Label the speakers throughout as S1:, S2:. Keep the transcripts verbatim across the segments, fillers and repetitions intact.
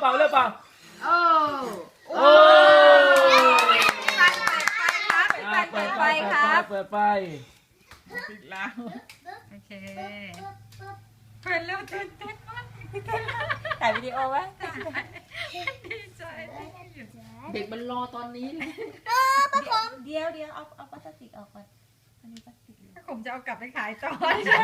S1: เป่าเร็วเป่า
S2: โอ้โอ้เปิดไฟครับเปิดไฟครับ
S1: เปิดไฟปิดแล้ว
S2: โอเคเปิดแล้วตื่นเต้นมากถ่ายวิดีโอไว้ดีใจเด็กมันรอตอนนี้เลยเดี๋ยวเดี๋ยวเอาเอาพลาสติกออกก่อนอันนี้พลาสติกผมจะเอากลับไปขายต่อ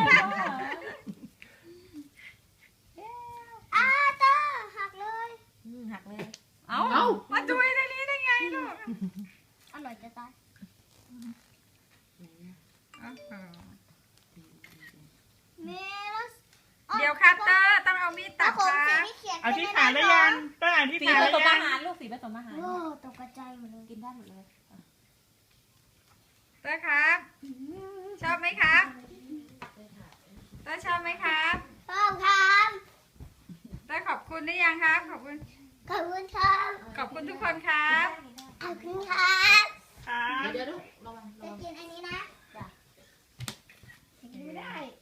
S3: อ้าตาหักเลย
S2: หักเลยเอามาจุยในนี้ได้ไงลูก
S3: อร่อยจะตาย
S2: เดี๋ยวครับเตอร์ต้องเอามีดตัดครับ
S1: เอาที่ขาได้ยังต้องอ่านที่
S2: สี
S1: ขา
S2: ผ
S1: ได้
S2: สม
S1: ยั
S2: อาง หารลูกสีผสมอาหาร
S3: โอ้ตกกระจายหมดเลย
S2: กินได้หมดเลยเตอร์ครับชอบไหมครับเตอร์ชอบไหมครับ
S3: ชอบครับ
S2: เตอร์ขอบคุณได้ยังครับขอบคุณ
S3: ขอบคุณครับ
S2: ขอบคุณทุกคนครับ
S3: ขอบคุณครับ
S1: ครับ
S2: เดี๋ยวลูกระวัง
S3: จะกินอันนี้นะจะกินไม่ได้